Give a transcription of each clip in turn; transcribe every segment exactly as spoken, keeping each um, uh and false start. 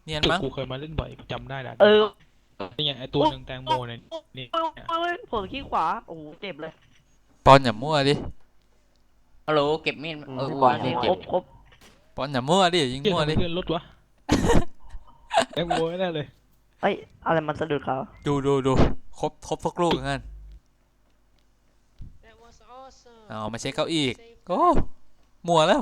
เนียนจุดมั้งกูเคยมาเล่นบ่อยจำได้แล้วเออนี่ไงไอตัวหนึ่งแตงโมเนี่ยนี่โอ้ยผมขี้ขวาโอ้โหเจ็บเลยปอนอย่ามั่วดิฮัลโหลเก็บมีดเออพี่อูบอลนี่คเก็รบบครบปอนอย่ามั่วดิยิงเกี่ยมั่วทำไมดิเลื่อนรถวะแตงโมแน่เลยเอ้ยอะไรมันสะดุดเขาดูดูดูครบครบทุกลูกงั้นเอามาเช็คเก้าอี้อีกโอ้มั่วแล้ว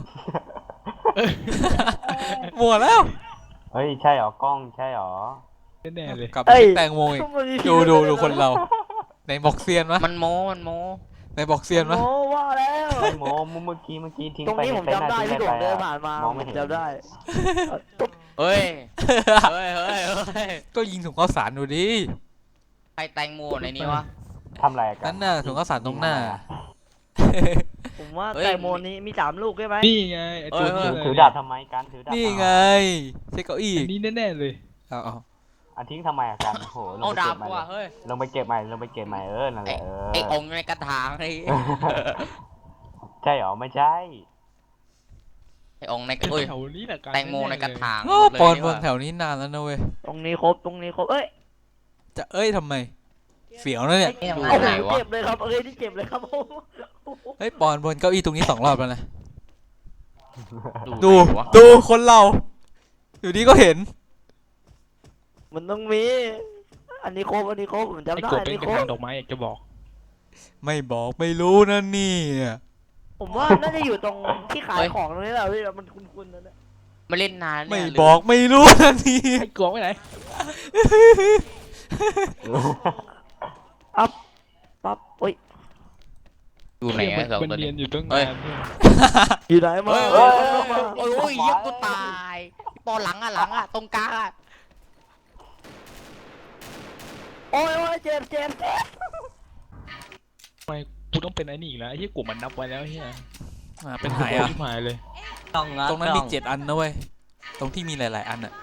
มั่วแล้วเฮ้ยใช่เหรอกล้องใช่เหรอแน่ๆเลยกลับไปเช็คแตงโมอีกดูดูดูคนเราในบอกเซียนมะมันโมมันโมในบอกเซียนมะโอ้ว่าแล้วไอ้โมเมื่อกี้เมื่อกี้ทิ้งตรงไปนี้ผมจำได้พี่โด่งเดินผ่านมาองผไม่มเห็นจำได้เฮ้ยเฮ้ยเฮ้ยเฮ้ยก็ยิงถุงข้าวสารดูดิใครแตงโมในนี้วะทำอะไรกันนั่นน่ะถุงข้าวสารตรงหน้าผมว่าแตงโมนี้มีสามลูกใช่ไหมนี่ไงไอตัวถืนี้อเลยถือดาบทำไมกันถือดาบนี่ไงเช็คเก้าอี้อันนี้แน่ๆเลยเอาเอาอันทิ้งทำไมอะกันโอ้โหลเอางไปดาเก็บบใหม่ว่ะเฮ้ยลงไปเก็บใหม่ลงไปเก็บใหม่เออนั่นแหละเออไอองค์ในกระถางไอ้ใช่เหรอไม่ใช่ไอองค์ในเอ้ยแถวนี้แหละการแตงโมในกระถางโอ้เลยปอนดีบกว่านแถวนี้นานแล้วนะเว้ยตรงนี้ครบตรงนี้ครบเอ้ยจะเอ้ยทำไมเสียวนะเนี่ยดูโอ้โหไหนวะเจ็บเลยครับเอ้ยนี่เจ็บเลยครับผมเฮ้ยปอนบนเก้าอี้ตรงนี้สองรอบแล้วนะดูดูไหนวะดูคนเรา อยู่ดีก็เห็นมันต้องมีอันนี้ครบอันนี้ครบผมจำไอ้ได้กบอันเป็นนี้กระครถางบดอกไม้อยากจะบอกไม่บอกไม่รู้นะเนี่ยผมว่าน่าจะอยู่ตรงที่ขายของตรงนี้แหละพี่มันคุ้นๆนะเนี่ยมาเล่นนานไม่เนี่ยบอกไม่รู้นะเนี่ยไอ้กบไปไหนปั๊บโอ้ยอยู่ไหนอะสองมันตัวเรีนี้ยนอยู่ตั้งเฮ้นาย นเนี่ยอยู่ไหนมาเฮ้ยเอ้ยโอ้ยโอ้ยเหี้ยกูตายปอหลังอะหลังอะตรงกลางอะโอ้ยโอ้ยเจ็บเจ็บเจ็บทำไมกูต้องเป็นไอ้นี่อีกแล้วไอ้ที่กบมันนับไว้แล้วเฮียอ่าเป็นหายอ่ะที่หายเลยต้องอะตรงนั้นมีเจ็ดอันนะเว้ย ตรงที่มีหลาย ๆ อันอะ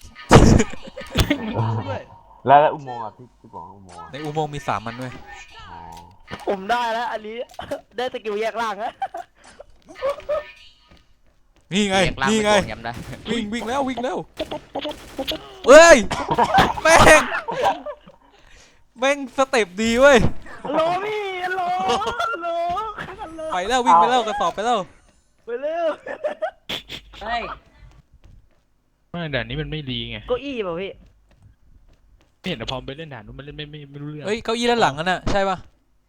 แล้วแล้วอุโมงค์อ่ะพี่พี่บอกอุโมงค์อะในอุโมงค์มีสามอันด้วยอ๋อผมได้แล้วอันนี้ ได้สกิลแยกล่างแล้วนี่ไงเรียกล่างนี่ไปไงก่อนย้ำได้วิ่งวิ่งแล้ววิ่งแล้วเฮ้ย แม่ง แม่งสเต็ปดีเว้ยฮัลโหลพี่ฮัลโหลฮัลโหลฮัลโหลไปแล้ววิ่งไปแล้วกระสอบไปแล้วไปเร็วเฮ้ยไม่ด่านนี้มันไม่ดีไงเก้าอี้ป่ะพี่ไม่เห็นแต่พอไปเล่นด่านนู้นมันเล่นไม่ไม่ไม่รู้เรื่องเฮ้ยเก้าอี้ด้านหลังนั่นน่ะใช่ปะ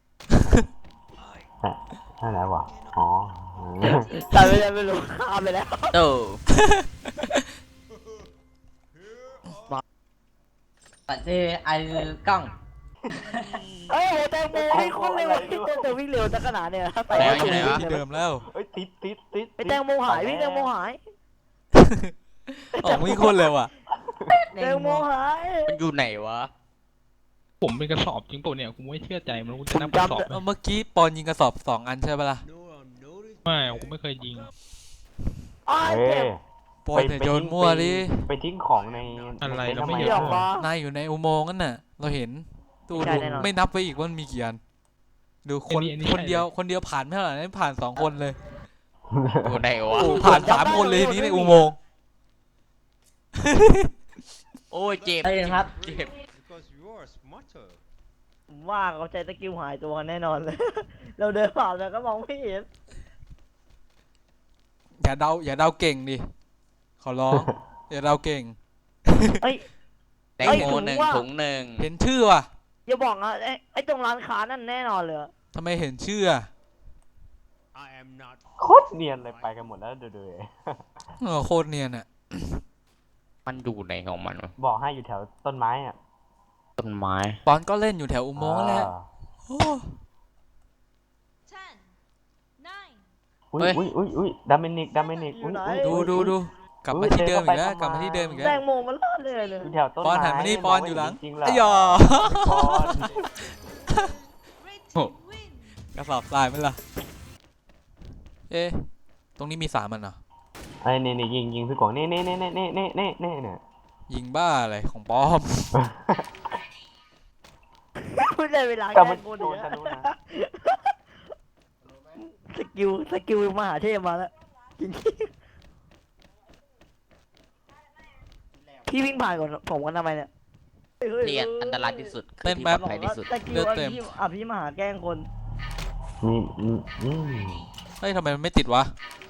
นั่นแหละวะอ๋อแต่ไม่ได้ไม่รู้ข้ามไปแล้วเออปัจเจไอ้กล้องเอ้ยโหแตงโมวิ่งโคนเร็วพี่เต้นแต่วิ่งเร็วจังขนาดเนี่ยไปแล้แล้ว วอยู่ไหนวะที่เดิมแล้วเฮ้ยติดติดติดไอแตงโมหายพี่แตงโมหายออกวิ่งโคนเร็วอ่ะแตงโมหายมันอยู่ไหนวะผมเป็นกระสอบจริงเปล่าเนี่ยกูไม่เชื่อใจมันกูผจะมนับกระสอบจำไหมเอาเมื่อกี้ปอนยิงกระสอบสองอันใช่ปะล่ะไม่กูไม่เคยยิงอ้ายเฮ้เจ็ยบปอนอย่าโยนมั่วดิไปทิ้งของในอะไรในเราไม่ทำเห็เดี๋ยวมานายอยู่ในอุโมงค์นั่นน่ะ เราเห็นดูใช่ดูแน่นอนไม่นับไปอีกว่ามันมีกี่อัน ดูคนคนเดียวคนเดียวผ่านไม่เท่าไหร่นั่นผ่านสองคนเลยอยู่ไหนวะโอ้ผ่านสามคนเลยทีนี้ในอุโมงค์โอ้ยเจ็บเจ็บเจ็บ Because you are smarter. ผมว่าเขาใจตะกิ้วหายตัวกันแน่นอนเลย เราเดินผ่านแล้วก็มองไม่เห็นอย่าเดาอย่าเดาเก่งดิขอร้อง อย่าเดาเก่งเอ้ยแตงโมหนึ่งถุงหนึ่งเห็นชื่อว่ะอย่าบอกนะไอ้ไอ้ตรงร้านค้านั่นแน่นอนเลยทำไมเห็นชื่ออะ I am not. โคตรเนียนเลยไปกันหมดแล้วดูดูเออโคตรเนียนอ่ะมันอยู่ไหนของมันวะบอกให้อยู่แถวต้นไม้อ่ะต้นไม้ปอนก็เล่นอยู่แถวอุโมงค์นั่นแหละอ่าโอ้ ten, nine, อุ้ยอุ้ยอุ้ยอุ้ยดามินิกดามินิกอุ้ยอุ้ยดูดูดูกลับมาที่เดิมอีกแล้วกลับมาที่เดิมอีกแตแล้วงโมมันรอดเลยเลยอยู่แถวต้นปอนไม้หันมานี่ปอนอยู่หลังจริงๆเหรอไอ้หยอปอน red team win. กระสอบทรายไหมล่ะ เอ๊ะ ตรงนี้มีสามอันเหรอไอ้นี่นี่ยิงยิงพี่กวางนี่นี่นี่นี่นี่นี่นี่เนี่ยยิงบ้าอะไรของปลอมไม่ได้เวลาแต่แกมันโกนโดอีนกทะแล้วลุนะสกิลสกิลมหาเทพมาแล้วจริงพี่วิ่งผ่านก่อนผมกันทำไมเนี่ยที่อันตรายที่สุดคือเต้นที่แป๊ปลบอดภัยที่สุดตะกี้เลือดว่าเต็มพี่อ่ะพี่มาหาแกล้งคนนี่อืมอืมเฮ้ยทำไมมันไม่ติดวะ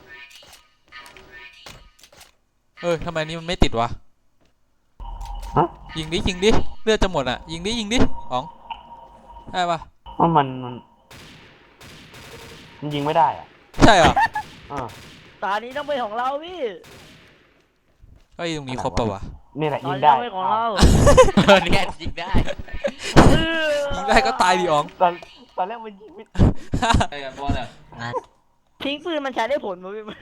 เออทำไมนี่มันไม่ติดวะฮะยิงดิยิงดิเลือดจะหมดอ่ะยิงดิยิงดิอ๋องได้ปะว่ามันมันมันยิงไม่ได้อ่ะใช่เหรอเออตานี้ต้องเป็นของเราพี่เฮ้ยตรงนี้ครบปะวะนี่แหละตายิงนี้ได้ต้องเป็นของเราเออเนี่ยยิงได้ยิงได้ก็ตายดิอ๋องตอนตอนแรกมันยิงไม่ไอ้กับบอลอ่ะทิ้งปืนมันใช้ได้ผลมั้ย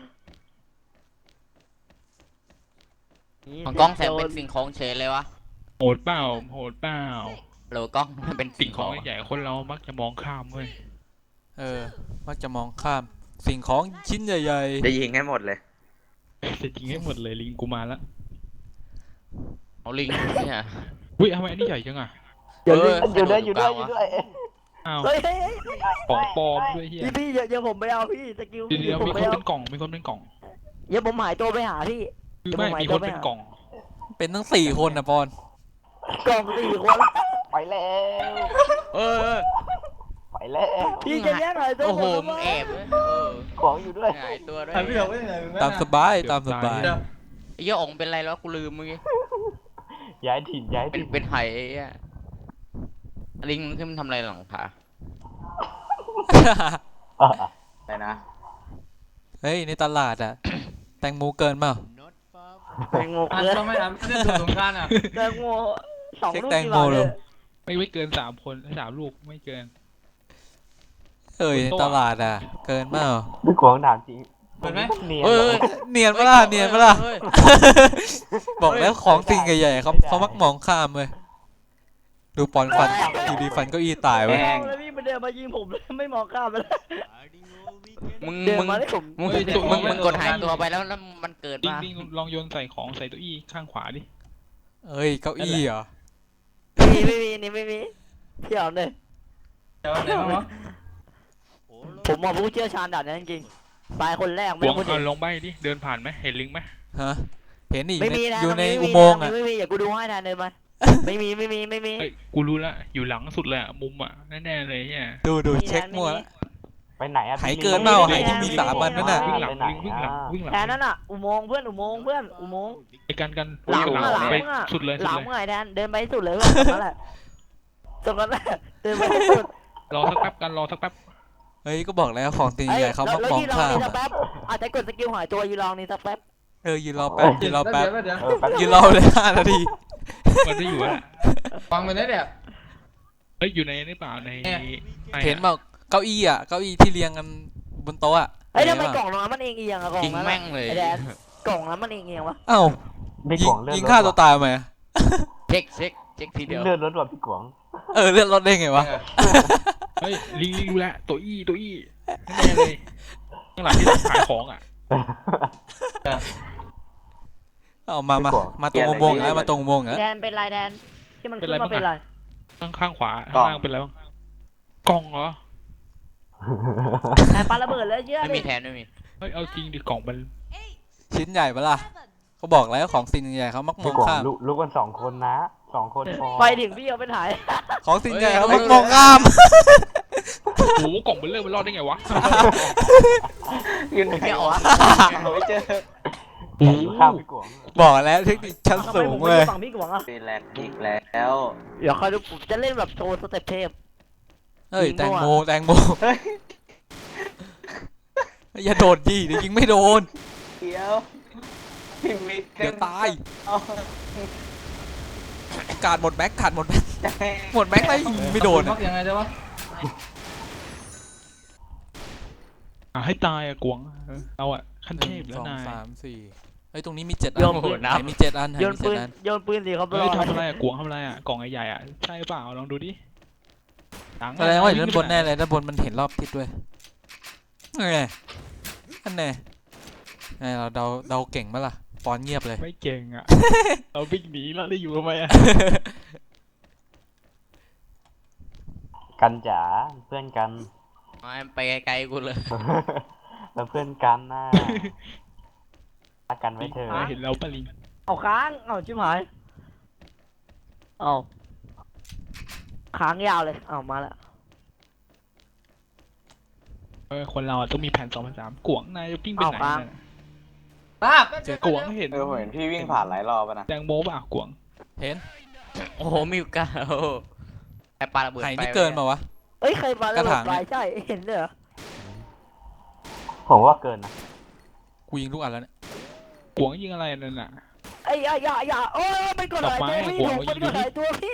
พี่ของกล้องแสงเป็นสิ่งของเฉยเลยวะโหดเปล่าโหดเปล่าโหลกล้องมันเป็นสิ่สิ่งงขขออง งใหญ่คนเรามักจะมองข้ามเว้ยเออมักจะมองข้ามสิ่งของชิ้นใหญ่จะยิงให้หมดเลยจะจริงให้หมดเลยลิงกูมาละเอาลิงเนี่ยอุ้ยทำไมอันนี้ใหญ่จังอ่ะเอออยู่ด้วยอยู่ด้วยอยู่ด้วยอ้าวเฮ้ยเฮ้ยเฮ้ยของปลอมด้วยเฮียพี่พี่เดี๋ยวเดี๋ยวผมไปเอาพี่สกิลเดี๋ยวเดี๋ยวผมมีไปคนเอาเป็นกล่องมีคนเป็นกล่องเดี๋ยวผมหายตัวไปหาพี่คือเดี๋ยวไม่ผมหมายมีตัควน ไปเป็นหากล่องๆเป็นทั้งสี่คนนะปอนกล่องสี่คนไปแล้วเออไปแล้วพี่จะแย่งหน่อยตัวโอ้โหผมมึงทำไมแอบเว้ยเออของอยู่ด้วยหายตัวด้วยตามสบายตามสบายไอ้เหี้ยอ๋องเป็นไรแล้วกูลืมมึงไงย้ายถิ่นย้ายเป็นถิ่นเป็นไหไอ้เหี้ยลิงขึ้นมันทำอะไรหลังผาอ่ะอะไรนะเฮ้ยในตลาดอะ แตงโมเกินเปล่า Not far แตงโมเกินไม่ทำเล่นตัวสงการอ่ะแตงโมสองเช็คลูกแตงกี่โมบาทเลเลย ยไม่ไม่เกินสามคนสามลูกไม่เกินเอ้ยในตลาดอะเกินเปล่าพี่กวางถามจริงเห็นไหมเนียนเฮ้ยเหรอเนียนปะล่ะเนียนปะล่ะเฮ้ยบอกแล้วของสิ่งใหญ่ๆเขาไม่ได้เขามักมองข้ามเลยดูปอนฟันอยู่ดีฟันเก็อีตายไม่เว้ยมองเลยพี่มันเดินมายิงผมเลยไม่มองข้ามไปเลย hiding all weekend. มึงเดินมึงมาได้ผมมึงเฮ้ยตัวมึงนี้มึงกดหายตัวไปแล้วแล้วมันเกิดลิงมาลิงลองโยนใส่ของใส่ตัวอี้ข้างขวาดิเอ้ยเก้าอี้เหรอไม่มีไม่มีนี่ไม่มีเที่ยวเลยเดี๋ยวอะไรบ้างวะ All ผมมองผู้เชี่ยวชาญด่านนั้นจริงๆตายคนแรกหไม่วงคนเอาอื่นลองใบดิเดินผ่านไหมเห็นลิงไหมฮะเห็นอีกไม่มีนะอยู่ในไม่อุมีโมงค์นะอะไม่มีอย่ากูดูให้ทานเดินมาไม่มีไม่มีไม่มีเฮ้ยกูรู้ละอยู่หลังสุดเลยอะมุมอะแน่ๆเลยเนี่ยดูดูไม่มีนะเช็คมั่วไม่มีละไปไหนอ่ะหายพี่เกินลิงเปล่าไม่มีหายที่มีสามอันนั่นน่ะวิ่งหลังไปไหนลิงวิ่งหลังอ่ะวิ่งหลังแทนนั่นอ่ะอุโมงค์เพื่อนอุโมงค์เพื่อนอุโมงค์ไอ้กันกันหลังหลังอะหลังไปอะสุดเลยหสุดลังเลยเมื่อไหร่แทนเดินไปให้สุดเลยเพื่อนตรงนั้นแหละตรงนั้นแหละเดินไปให้สุดรอสักแป๊บกันรอสักแป๊บเฮ้ยก็บอกแล้วของสิ่งเอ้ยใหญ่เขามักแล้วมองยืนรอข้ามนี่สักอะแป๊บอาจจะกดสกิลหายตัวยืนรอนี่สักแป๊บเออยืนรอแป๊บยืนรอแป๊บเดี๋ยวเออแป๊บยืนรอเลยห้านาทีมันไม่อยู่แล้วฟังไปได้เนี่ยเฮ้ยอยู่ในนี่เปล่าในเนี่ยในเห็นบอกเก้าอี้อ่ะเก้าอี้ที่เรียงกันบนโต๊ะอ่ะเฮ้ยทำไมเห็นกล่ปะองนั้นมันเองเอียงอะกล่องยิงนั้นแม่งเลยไอ้แดนกล่องนั้นมันเองเอียงวะเอ้าพี่ยิกงวางเลื่อนยิงรถฆ่าตัวตายทำไมอะเช็คเช็คเช็คทีเดียวเลื่อนรถว่ะพี่กวางเออเลื่อนรถได้ไงวะเฮ้ยลิงลิงรู้แล้วตัวอี้ตัวอี้แน่ๆเลยข้างหลังที่ขายของอ่ะเอามามามาตรงอุโมงค์แล้วมาตรงอุโมงค์แล้วแดนเป็นไรแดนที่มันขึ้นมาเป็นไรข้างข้างขวาข้างล่างเป็นอะไรบ้างกล่องเหรอแดนปาระเบิดแล้วเชื่อไม่ดิมีแทนไม่มีเฮ้ยเอาจริงดิกล่องมัน Eight. ชิ้นใหญ่ปะล่ะ Seven. เขาบอกแล้วของสิ่งใหญ่เขามักมพี่องกวางข้ามลุกลุกกันสองคนนะสองคนพอไปถึงพี่เอาไปถ่ายของสิ่งใหญ่เขามักมองข้ามโอ้โหกล่องมันเริ่มมันรอดได้ไงวะยืนไหนไม่ออกวะไม่เจออยู่ข้างพี่กวางบอกแล้วเทคนิคชั้นทำไมสูผงมไม่เลยฝั่งพี่กวางอ่ะเป็นแลกอีกแล้วเดี๋ยวคอยดูผมจะเล่นแบบโชว์สเต็ปเทพเฮ้ยยิงแตงมั่วโมแตงโมอย่าโดดดิเดี๋ยวยิงไม่โดนเดี๋ยวพี่มิกเดี๋ยวตายเอาการดหมดแม็กขาดหมดแม็กหมดแม็กเลยยิงไม่โดนมัอะกยังไงจ๊ะวะอ่ะให้ตายอะกวงเออเราอะขั้นหเทนึ่พงแล้สวองนายสามสี่เฮ้ยตรงนี้มีเจ็ดอัโยนนปืนไหนมีเจ็ดอันไหนโยนมีปืเจ็ดนอันโยนปืนสิครับเฮ้ยทำอะไรอะกวงทำอะไรอะกล่องใหญ่ๆอะใช่เปล่าลองดูดิตังค์แสดงว่าอยู่ด้านบนแน่เลยด้านบนมันเห็นรอบทิศด้วยไงอันแน่ไงเราเดาเดาเก่งมั้ยล่ะปอนเงียบเลยไม่เก่งอะ เราวิ่งหนีแล้วได้อยู่ทำไมอะกันจ๋าเพื่อนกันเอาไปไกลๆกูเลยแล้วเพื่อนกันน่ะรักกันไว้เถอะนายเห็นเราปะลิงเอาค้างเอาชิบหายเอาค้างยาวเลยเอามาแล้วเออคนเราอะต้องมีแผนสองแผนสามกวงนายจะวิ่งไปไหนเอาครับเนี่ยป้าบเจอกวงเห็นเออผมเห็นพี่วิ่งผ่านหลายรอบอะนะแตงโมป่ะกวงเห็นโอ้โหมิวกาโอ้โหไอปลาระเบิดไห่ไฟนี่เกินมาวะเอ้ยใครมาแล้วกระถางปลายใช่เห็นเลยเหรอผมว่าเกินนะกูยิงทุกอันแล้วเนี่ยกวงยิงอะไรนั่นน่ะไอ้ยอย่าอย่าอย่าโอ้ยมันกดหลายดอกไม้ตัวพี่หัวถูกมันกดหลายตัวพี่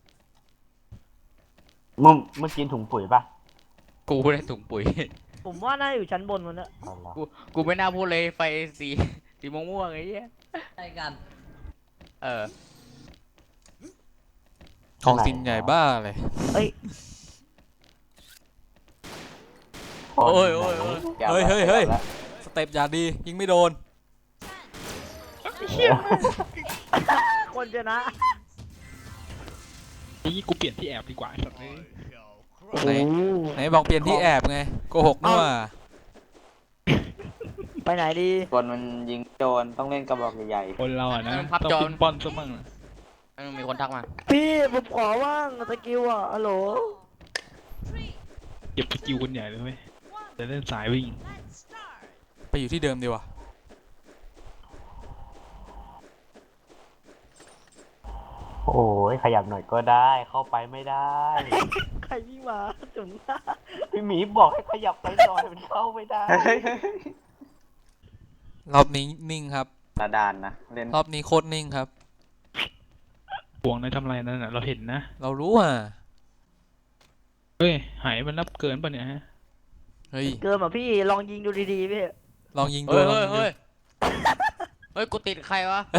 มึงมึงกินถุงปุ๋ยป่ะกูได้ถุงปุ๋ยผมว่าน่าอยู่ชั้นบนมันนะเอาเหรอกูกูไม่น่าพูดเลยไฟสีสีม่วงๆไอ้เหี้ยใช่กันเออของสินใหญ่บ้าเลยเอ้ยโอ้ยโอ้ยโอ้ยเฮ้ยเฮ้ยเฮ้ย สเต็ปอย่าดี ยิงไม่โดนคนชนะนี่กูเปลี่ยนที่แอบดีกว่าไอ้สัตว์นี้ไหน ไหนบอกเปลี่ยนที่แอบไงโกหกนี่หว่าไปไหนดีคนมันยิงโจรต้องเล่นกระบอกใหญ่คนเราอะนะมันพับต้องจอปิ้นป้อนซะมั่งนะมันมีคนทักมาพี่ผมขอว่างสกิลอ่ะฮัลโหล Three, เก็บสกิลคนใหญ่เลยเว้ย one, จะเล่นสายวิ่ง let's start. ไปอยู่ที่เดิมดีกว่าโอ้ยขยับหน่อยก็ได้ เข้าไปไม่ได้ใครวิ่งมาจุ๋มหน้าพี่หมีบอกให้ขยับไปหน่อยมันเข้าไม่ได้ๆเฮ้ยรอบนี้นิ่งครับระดานนะเล่นรอบนี้โคตรนิ่งครับกวงนายทำอะไรนั่นน่ะเราเห็นนะเรารู้อ่ะเฮ้ยหายมันนับเกินป่ะเนี่ยฮะเฮ้ยเกินอ่ะพี่ลองยิงดูดีๆพี่ลองยิงดูเฮ้ยลองเฮ้ยยิงดูเฮ้ยเฮ้ยกูติดใครวะ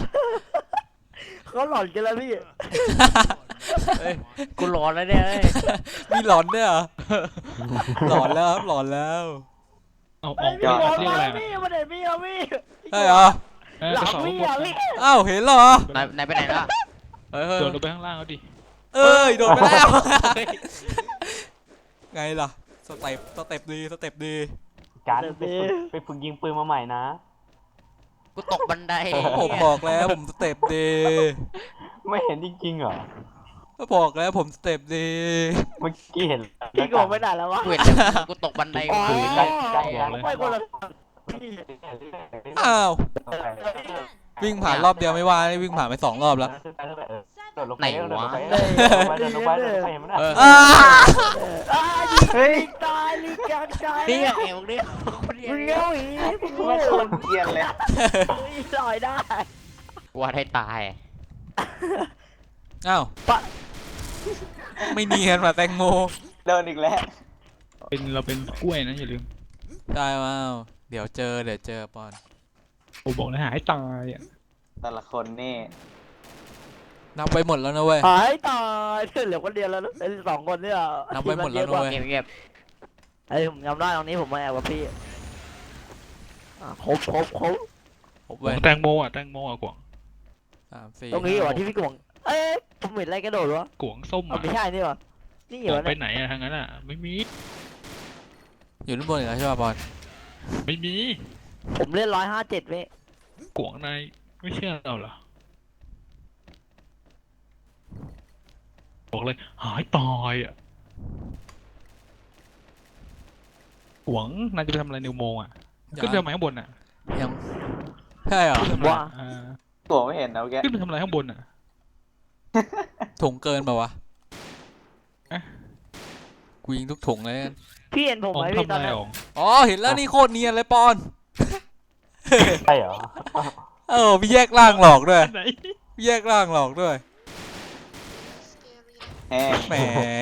เขาหลอนกันแล้วพี่เฮ้ยกูหลอนแล้วเนี่ยเฮ้ยมีหลอนด้วยเหรอ หลอนแล้วครับหลอนแล้วเอาอเฮ้อย กพี่ไปบอลเรียกมาอะไรนะพี่มาเด็ดพี่เอาพี่เฮ้ยเหรอเออหลักระงสอบพี่ข้างบอ่ะนพี่อ้าวเห็นเหรอนายนายไปไหนล่ะเฮ้ยเฮ้ยโดดลงไปข้างล่างเอาดิเอ้ยโดนไปแล้ว ไงล่ะ สเต็ปสเต็ปดีสเต็ปดีการไปฝึกไปฝึกยิงปืนมาใหม่นะกูตกบันไดผมบอกแล้วผมสเต็ปดีไม่เห็นจริงๆเหรอก็บอกแล้วผมสเต็ปดีเมื่อกี้เห็นพี่โกงไปไหนแล้ววะกูเห็นแต่กูตกบันไดอ๋อกูใกล้ใกล้กันไม่คนละพี่อ้าววิ่งผ่านรอบเดียวไม่ว่านี่วิ่งผ่านไปสองรอบแล้วโดดลงไปโดดลงไปโดดลงไปโดดลงไปเห็นไหมน่ะเอออ้าเฮ้ยตายลิกางตายนี่ไงเอวนี่คนเดียวมึงเงี้ยวอีมึงไม่คนเกรียนเลยลอยได้ว่าให้ตายอ้าวปะไม่เนียนว่ะแตงโมเดินอีกแล้วเป็นเราเป็นกล้วยนะอย่าลืมได้ว้าวเดี๋ยวเจอเดี๋ยวเจอปอนผมบอกแล้วหายตายอ่ะแต่ละคนนี่นับไปหมดแล้วนะเว้ยหายตายเหลือคนเดียวแล้วไอ้สองคนเนี่ยนับไว้หมดแล้วด้วยเก็บเก็บไอ้ผมจำได้ตรงนี้ผมมาแอบกับพี่อ่ะครบครบครบผมกวเว้ยงแตงโมอ่ะแตงโมอ่ะกวงสามสี่ตรงนี้เหรอห้าที่พี่กวงเอ้ยผมเห็นอะไรกระโดดวะกวงส้มอ๋ออ่ะไม่ใช่นี่วะนี่กเหรวองไปเนี่ยไหนอ่ะทางนั้นอ่ะไม่มีอยู่ด้านบนอีกแล้วใช่ป่ะปอนไม่มีผมเล่นร้อยห้าเจ็ดเว้ยกวงนายไม่เชื่อเราเหรอบอกเลยหายตายอ่ะกวงนายจะไปทำอะไรในอุโมงค์อ่ะขึ้นไปทำไมข้างบนอ่ะยังใช่เหรอขึ้นไปทำอะไรอ่าตัวไม่เห็นนะแกขึ้นไปทำอะไรข้างบนอ่ะถุงเกินป่าวะอะกูยิงทุกถุงเลยกันพี่เห็นผมอ๋อไหมทำพี่ตอะอนไรนั้นอ๋ออ๋อเห็นแล้วนี่โคตรเนียนเลยปอนใช่เหรอเออพี่แยกร่างหลอกด้วยไหนพี่แยกร่างหลอกด้วยแห้งแหม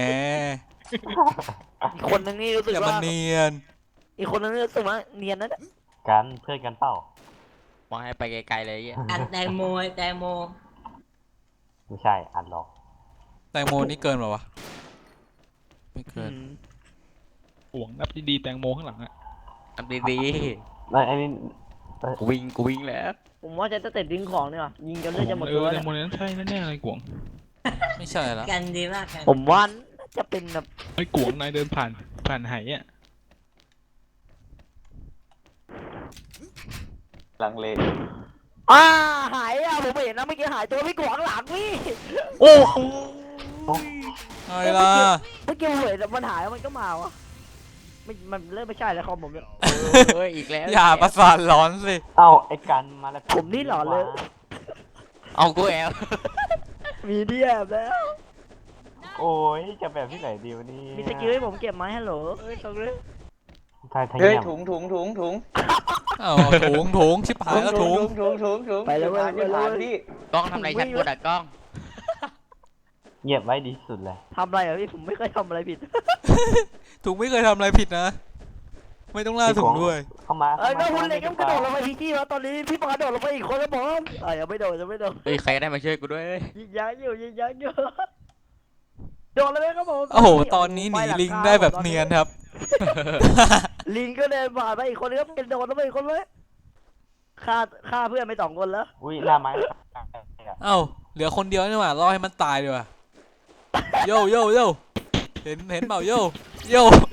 อีกคนนึงนี่รู้สึกอย่ามาว่าเนียนอีกคนนึงนี่รู้สึกว่าเนียนนะเนี่ยกันเพื่อนกันเปล่าว่าให้ไปไกลๆเลยไอ้เหี้ยอันแตงโมแตงโมไม่ใช่อัดหรอกแตงโมนี่เกินป่าวะไม่เกินอืมกวงนับดีๆแตงโมข้างหลังอ่ะทำดีแล้วไอ้นี่ๆกูวิ่งกูวิ่งแล้วผมว่าจะสเต็ปยิงของเนี่ยว่ะยิงจนเลือดจะหมดเอตัวอแตเนี่งยโมนั้นใช่แน่ๆเลยกวงไม่ใช่แล้วกันดีมากกันผมว่าน่าจะเป็นแบบไอ้กวงนายเดินผ่านผ่านไหอ่ะลังเลอ่าหายอ่ะผมเห็นนะเมื่อกี้หายตัวพี่กวางหลังพี่โอ้โหอะไรล่ะเมื่อกี้ผมเห็นมันหายแล้วมันก็มาวะไม่มันเริ่มไม่ใช่แล้วคอมผมเนี่ยเฮ้ยอีกแล้วอย่าประสาทร้อนสิเอ้าไอ้กันมาแล้วผมนี่หล่อเลยเอากูแอบมีเดียบแล้วโอ้ยจะแบบที่ไหนดีวะนี่มีสกิลให้ผมเก็บไหมฮัลโหลเอ้ยตรงนี้ทายทายเฮ้ยเงียบถุงถุงถุงถุงเอาถุงถุงชิบหายแล้วถุงถุงถุงถุงไปแล้วเว้ยที่ผ่านไปแล้วเว้ยพี่กล้องทำอะไรฉันพูดอะกล้องเงียบไว้ดีที่สุดเลยทำอะไรอ่ะพี่ผมไม่เคยทำอะไรผิดถุงไม่เคยทำอะไรผิดนะ ไม่ต้องล่าถุงด้วยเข้ามาเอ้ยก็ข้าคุณมาเล็กก็กระโดดลงไปทีที่แล้วตอนนี้พี่ปากระโดดลงไปอีกคนแล้วผมเอ้ยยังไม่โดดยังไม่โดดเฮ้ยใครก็ได้มาช่วยกูด้วยเว้ยยิงยักอยู่ยิงยักอยู่โดดเลยไหมครับผมโอ้โห ตอนนี้หนีลิงได้แบบเนียนครับลิงก็เดินผ่านไปอีกคนนึงก็เป็นโดดลงไปอีกคนเลยฆ่าฆ่าเพื่อนไปสองคนแล้วอุ้ยหน้าไม้เอ้า เหลือคนเดียวนี่หว่ารอให้มันตายดีกว่าโย่โย่โย่เห็นเห็นเปล่าโย่โย่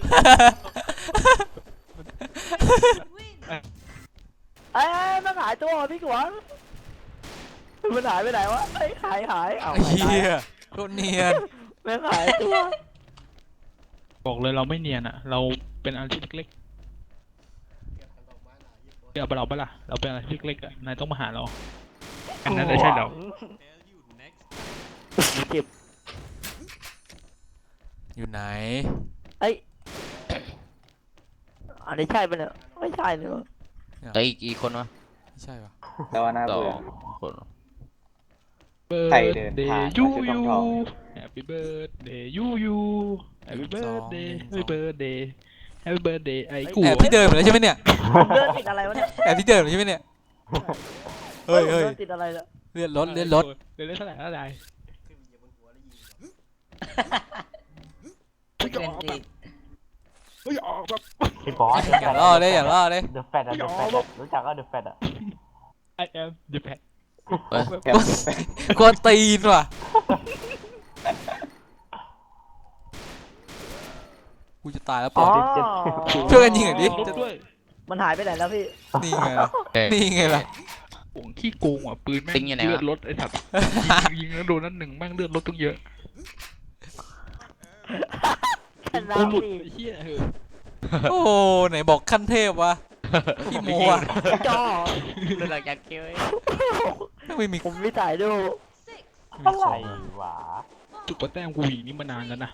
Win. เอ้ยมันหายตัวเหรอพี่กวางมันหายไปไหนวะเอ้ยหายหายเอาไอ้หายเหี้ยโคตรเนียนไม่หายตัวบอกเลยเราไม่เนียนอ่ะ เราเป็นอาชีพเล็กๆเดี๋ยวเราไปะล่ะเราเป็นอาชีพเล็กๆอ่ะนายต้องมาหาเราอันนั้นไม่ใช่เรา Tell you next. เจ็บอยู่ไหนเอ้ยอันนี้ใช่ปะเนี่ยไม่ใช่เนอะแต่อีกกี่คนวะไม่ใช่ปะแต่ว่าน่าสอเบื่องคนใครเดินผ่านยูมาชุดยูทอง Happy birthday ยูยู Happy birthday Happy birthday Happy birthday ไอ้กูแอบที่เดิมเหรอใช่ไหมเนี่ยผมเดินติดอะไรวะเนี่ยแอบที่เดิมเหรอใช่ไหมเนี่ย เฮ้ยผมเฮ้ยเดินติดอะไรเนี่ยเลื่อนรถเลื่อนรถเลื่อนรถเท่าไหร่เท่าไหร่เป็นที่เฮ้ยออกแบบพี่บอสอย่าล่อเลยอย่าล่อเลยเดอะแฟตอะเดอะแฟตอะรู้จักก็เดอะแฟตอะ I am the pet เฮ้ยแกมกวนตีนว่ะ กูจะตายแล้วปอ๋ออช่วยกันยิงหน่อยดิลบด้วยมันหายไปไหนแล้วพี่นี่ไงล่ะเฮ้ยนี่ไงล่ะห่วงขี้โกงอ่ะปืนแม่งติ๊งอยู่ไหนวะเลือดรถไอ้สัตว์ยิงยิงแล้วโดนนั่นหนึ่งแม่งเลือดรถตั้งเยอะชนะกูหลุดพี่ไอ้เหี้ยเออโอ้ไหนบอกขั้นเทพวะพี่โมอ่ะจ่อเรื่องหลังจากเกี่ยวเว้ยไม่มีผมไม่ถ่ายดู Six. มีอะไรของวะจุดประแต้มกูอย่างนี้มานานแล้วนะ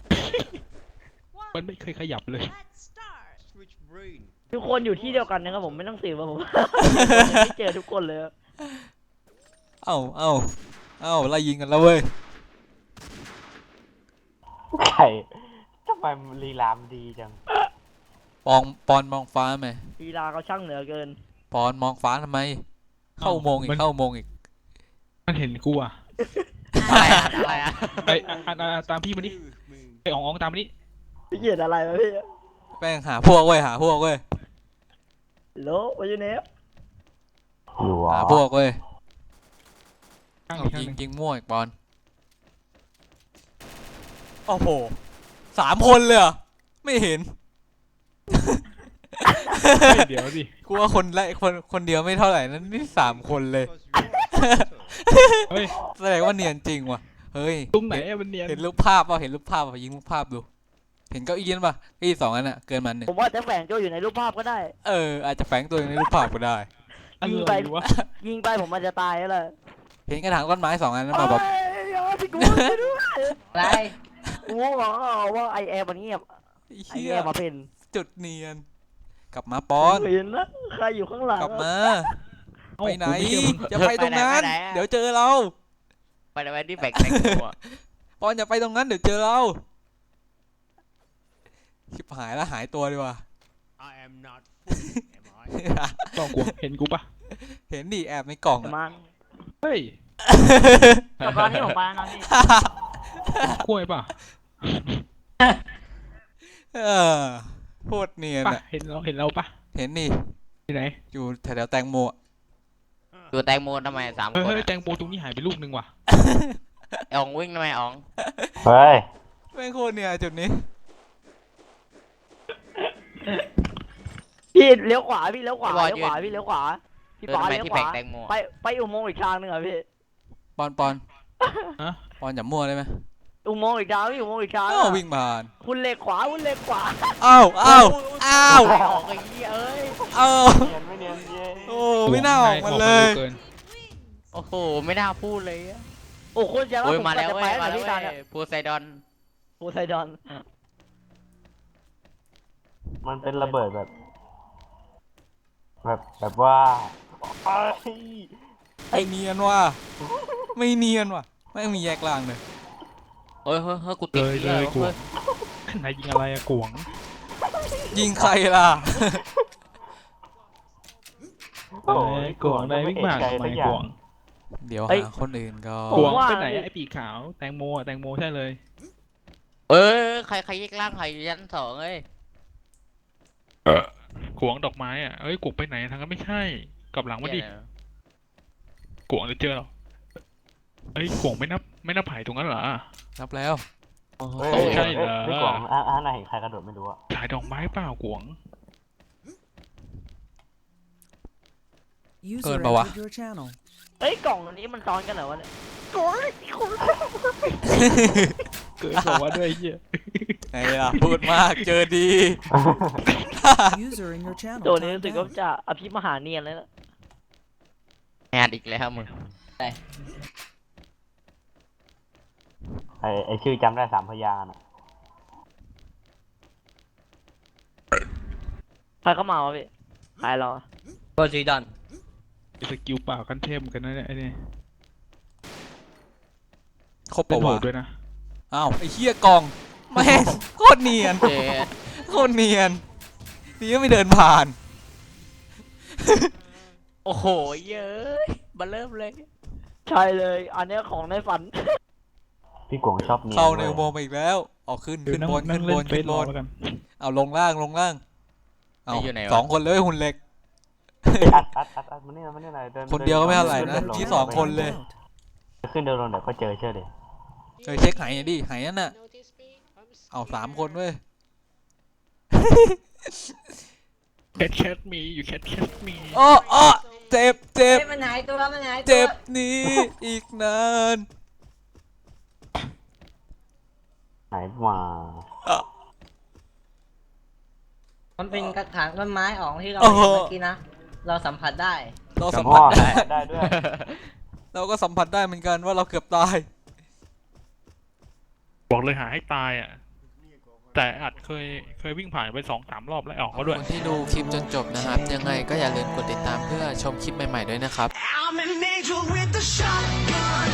มัน One. ไม่เคยขยับเลย Let's start. Switch brain. ทุกคนอยู่ที่เดียวกันนะครับผมไม่ต้องสืบว่าผม ไม่เจอทุกคนเลยอะเอ้าเอ้าเอ้าไล่ยิงกันแล้วเว้ยไข่ทำไมมันลีลามนดีจังปองปอนมองฟ้าไหมลีลาเขาช่างเหนือเกินปอนมองฟ้าทำไม เข้าโมงอีมักนเข้าโมงอีกมันเห็นกูอ่ะอะไรอะอะไรอะไอ้อ่ะอ่ะอ่ะตามพี่มานี่ Moon. ไอ้อ๋องอ๋องตามมานี่พี่เกียดอะไรวะพี่แป้งหาพวกเว้ยหาพวกเว้ยโลวายูเนฟอยู่วะหาพวกเว้ยข้างเอาอีกข้างยิหงนึ่งยิงมั่วอีกปอนโอ้โหสามคนเลยเหรอไม่เห็นเฮ้ยเดี๋ยวดิกูว่าคนละคนคนเดียวไม่เท่าไหร่นั้นนี่สามคนเลย Because you're a เฮ้ยแสดงว่าเนียนจริงว่ะเฮ้ยตรงไหนอะมันเนียนเห็นรูปภาพป่ะเห็นรูปภาพป่ะยิงรูปภาพดู เห็นเก้าอี้นั่นป่ะเก้าอี้สองอันน่ะเกินมันหนึ่งผมว่าจะแฝงตัวอยู่ในรูปภาพก็ได้เอออาจจะแฝงตัวอยู่ในรูปภาพก็ได้อะไรวะยิงไปผมมันจะตายแล้วเลยเห็นกระถางต้นไม้สองอันนั้นมาแบบเอ้ยอย่าพี่กูไม่ด้วยอะไรกูบอกว่าไอแอร์มันเงียบไอ้ไอเหี้แอย ร์มาเป็นจุดเนียน กลับมาปอนเห็นนะใครอยู่ข้างหลังกลับมาเอ้าไปไหนกูม่เจอมึงจะไปตรงนั้น เดี๋ยวเจอเราไปไหนไปที่แบกแบกกูอะปอนอย่าไปตรงนั้นเดี๋ยวเจอเรา ชิบหายแล้วหายตัวดีกว่า I am not fool, am I? ต้องกลัวเห็นกูปะเห็นดิแอบในกล่องประอะมาณเฮ้ยกับตอนที่ผมไปนะพี่กล้วยปะเออโคตรเนียนปะอะเห็นเราเห็นเราปะเห็นนี่ที่ไหนอยู่แถวๆแตงโมอะตัวแตงโมทำไมสามเฮ้ยคนเฮ้ยอะแตงโมตรงนี้หายไปลูกนึงว่ะไอ้อ๋องวิ่งทำไมอ๋องเฮ้ยแม่งโคตรเนียนจุดนี้พี่เลี้ยวขวาพี่เลี้ยวขวาเลี้ยวขวาพี่เลี้ยวขวาพี่เออปอทำไมเลี้ยวที่ขแผวางแตงโมไปไปอุโมงค์อีกทางหนึ่งเหรอพี่ปอนปอนฮะปอนอย่ามั่วได้ไหมอุโมงค์อีกทางพี่อุโมงค์อีกทางอ้าวอะวิ่งผ่านคุณเหล็กขวาคุณเหล็กขวาอ้าวอ้าวอ้าวไม่ออกไอ้เหี้ยเอ้ยอ้าวเนียนไม่เนียนเย้โอ้ไม่น่าออกมาเลยเกินโอ้โหไม่น่าพูดเลยอะโอ้คุณจะว่าโอ้ยผมมาแล้วจะเว้ไปยไหนมาแล้วพี่เว้ตาเนี่ยยโพไซดอนโพไซดอนมันเป็นระเบิดแบบ แบบแบบว่าไอ้ไม่เนียนว่ะไม่เนียนว่ะไม่งมีแยกล่างเลยเฮ้ยเฮ้ยเฮ้ยกูติเลดยหี้เลยว่ะกวฮ้งไหนยิงอะไรอะกวงยิงใครล่ะเอ้ยกวงได้วิ่งมากทำไมกวงเดี๋ยวเอ้ยหาคนอื่นก่อกวงว่าไปไหนอะไอ้ปีกขาวแตงโมอะแตงโมใช่เลยเอ้ยใครใครแยกล่างใครอยู่ชั้นสองเอ้ยกวงดอกไม้อะเอ้ยกวงไปไหนทางนั้นไม่ใช่กลับหลังมาดิเหี้ยกวงจะเจอเราเอ้ยกวงไม่นับไม่นับไผ่ตรงนั้นเหรอนับแล้วโอ้โหเฮ้ยใช่เหรอพี่กล่องอ่ะอ่ะไหนเห็นใครกระโดดไม่รู้อะขายดอกไม้เปล่ากวงเกินปะวะเอ้ยกล่องอันนี้มันซ้อนกันเหรอวะเนี่ยกล่องเกิดบอกว่าด้วยไอ้เหี้ยไงล่ะพูดมากเจอดี User in your channel. ตัวนี้ timed รู้สึก out. ว่าจะอภิมหาเนียนเลยนะแอดอีกแล้วมึงไอไอชื่อจำได้สามพยางค์อะใครเข้ามาวะพี่ใครเราอะโพไซดอนไอ้สกิลเปล่าขั้นเทพเหมือนกันนะเนี่ยไอ้นี่ครบเป็ปะนโหวะดด้วยนะอ้าวไอ้เหี้ยกล่องแม่งโคตรเนียนเจ๊โคตรเนียนนี่ก็ไม่เดินผ่านโอ้โหเย้ยมาเริ่มเลยใช่เลย อันเนี้ยของในฝันพี่กล่องชอบเนียนเข้าในว้ยอุโมงค์ไปอีกแล้วออกขึ้นเดี๋ยขึ้วน นั่งบนนั่ขึ้งนบเล่นนเฟขึ้นบนซรอแล้วกันเอาลงล่างลงล่างเอาอยู่ไหนวะสองคนเลยหุ่นเหล็กอัดอัดอัดอัดมานี่มานี่หน่อยเดินคนเดียวก็ไม่เท่าไหร่ดินะดิที่สองคนเลยขึ้นเดินลงเดี๋ยวก็เจอเชื่อดิเออเช็คไหหน่อยดิไหนั่นน่ะเอาสามคนเว้ยแคทแคทมีอยู่แคทแคทมีอ้ออ้อเจ็บเจ็บมันหายตัวมันหายตัวเจ็บนี้อีกนานไหนมามันเป็นกระถางต้นไม้ออกที่เราโอ้เห็โหนเมื่อกี้นะ เราสัมผัสได้เราสัมพ่ผัอสได้ได้ด้วยเราก็สัมผัสได้เหมือนกันว่าเราเกือบตายบอกเลยหาให้ตายอ่ะ แต่อัดเคยเคยวิ่งผ่านไปสองสามรอบแล้วออกขก็อบด้วยคุณที่ดูคลิปจนจบนะครับ ยังไงก็อย่าลืมกดติดตามเพื่อชมคลิปใหม่ๆด้วยนะครับ I'm an angel with a shotgun.